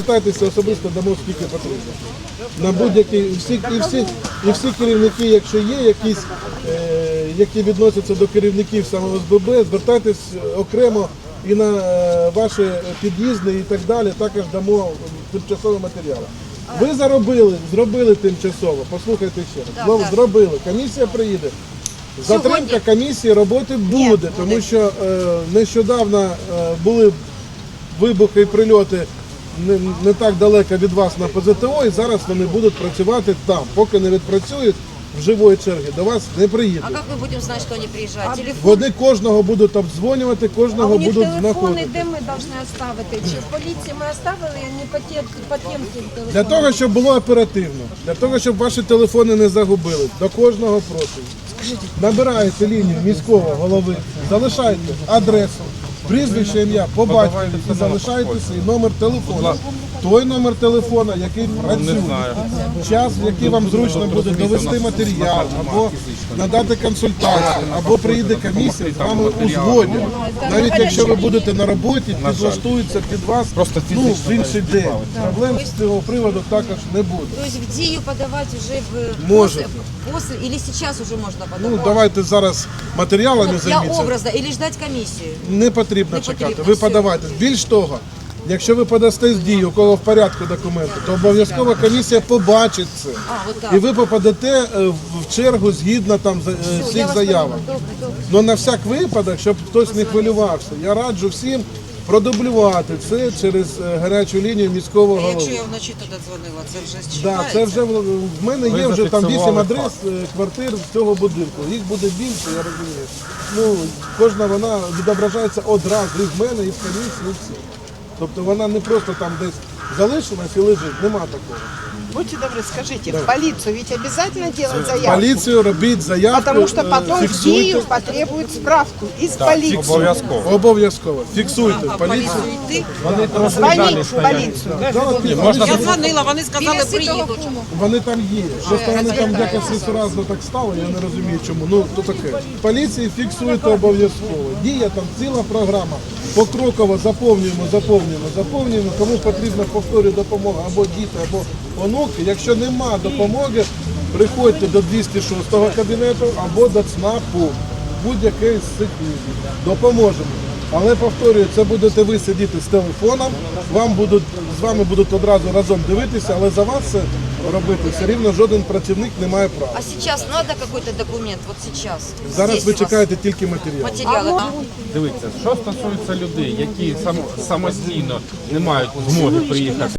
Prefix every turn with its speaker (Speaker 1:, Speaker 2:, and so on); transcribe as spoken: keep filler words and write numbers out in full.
Speaker 1: звертайтеся особисто, дамо скільки потрібно. На будь-які, і всі, і, всі, і всі керівники, якщо є якісь, е, які відносяться до керівників саме ОСББ, звертайтесь окремо і на е, ваші під'їзди і так далі, також дамо тимчасові матеріали. Ви заробили, зробили тимчасово, послухайте ще раз,
Speaker 2: Так,
Speaker 1: зробили, комісія приїде. Затримка комісії роботи буде, тому що е, нещодавно е, були вибухи і прильоти не, не так далеко від вас на П З Т О, і зараз вони будуть працювати там. Поки не відпрацюють в живої черги, до вас не приїдуть.
Speaker 2: А как мы будем знать, что они приезжают? Телефон?
Speaker 1: Вони кожного будуть обдзвонювати, кожного
Speaker 3: А у них
Speaker 1: будуть
Speaker 3: телефони,
Speaker 1: знаходити.
Speaker 3: де ми повинні оставити? Чи в поліції ми оставили, не по тем, по тем телефонам?
Speaker 1: Для того, щоб було оперативно, для того, щоб ваші телефони не загубили, до кожного прошу. Набираєте лінію міського голови, залишайте адресу, прізвище, ім'я, по батькові і залишайте свій номер телефону. Той номер телефона, який працює, час, в який вам зручно буде довести матеріал, або надати консультацію, або приїде комісія, з вами узгодять. Навіть якщо ви будете на роботі, підлаштуються під вас ну, в інший день. Проблем з цього приводу також не буде.
Speaker 2: То есть в ДИЮ подавать уже в...
Speaker 1: Можете.
Speaker 2: После, после или сейчас уже можно подавать?
Speaker 1: Ну, давайте зараз матеріалами
Speaker 2: Вот для
Speaker 1: займіться.
Speaker 2: образа или ждать комиссию?
Speaker 1: Не потрібно
Speaker 2: Не
Speaker 1: чекати,
Speaker 2: потрібно,
Speaker 1: ви
Speaker 2: все.
Speaker 1: подавайте. Більш того, якщо ви подасте з дії, у кого в порядку документи, то обов'язково комісія побачить це.
Speaker 2: А, вот так.
Speaker 1: І ви попадете е, в чергу згідно там за- е,
Speaker 2: Всё, я
Speaker 1: всіх
Speaker 2: вас
Speaker 1: заявок.
Speaker 2: поняла. Добре, добре.
Speaker 1: Ну на всяк випадок, щоб хтось не хвилювався, я раджу всім продублювати це через е, гарячу лінію міського
Speaker 4: Якщо
Speaker 1: голови.
Speaker 4: я вночі туди дзвонила, це вже
Speaker 1: Да,
Speaker 4: считається?
Speaker 1: це вже в в мене є вже там вісім адрес е, квартир з цього будинку. Їх буде більше, я розумію. Ну, кожна вона відображається одразу і в мене, і в комісії, і всі. Тобто вона не просто там десь залишилась і лежить, нема такого.
Speaker 5: Будьте добры, скажите, в полицию ведь обязательно делать заявку?
Speaker 1: Поліцію робіть заявку,
Speaker 5: Потому что
Speaker 1: е,
Speaker 5: потом в
Speaker 1: фіксуйте.
Speaker 5: ДИЮ потребует справку из полиции.
Speaker 6: Обов'язково.
Speaker 1: Обов'язково. Фіксуйте в поліцію.
Speaker 4: Йти?
Speaker 5: Звонить в полицию.
Speaker 1: Зараз ні, вони,
Speaker 4: Я дзвонила, вони сказали, приїдуть.
Speaker 1: вони там є. Просто вони там якось несуразно так стало, я не розумію чому. Ну, то таке. В поліції фіксуйте обов'язково. Діє там ціла програма. Покроково заповнюємо, заповнюємо, заповнюємо. Кому потрібна повторюю допомога, або діти, або онуки. Якщо нема допомоги, приходьте до двісті шостого кабінету або до ЦНАПу. Будь-який з цих місць. Допоможемо. Але повторюю, це будете ви сидіти з телефоном, вам будуть, з вами будуть одразу разом дивитися, але за вас це робити все рівно жоден працівник не має права.
Speaker 2: А сейчас надо какой-то документ? Вот сейчас?
Speaker 1: Зараз
Speaker 2: Здесь
Speaker 1: ви
Speaker 2: у вас
Speaker 1: чекаєте тільки матеріал.
Speaker 2: материалы. А?
Speaker 6: Дивіться, що стосується людей, які сам, самостійно не мають змоги приїхати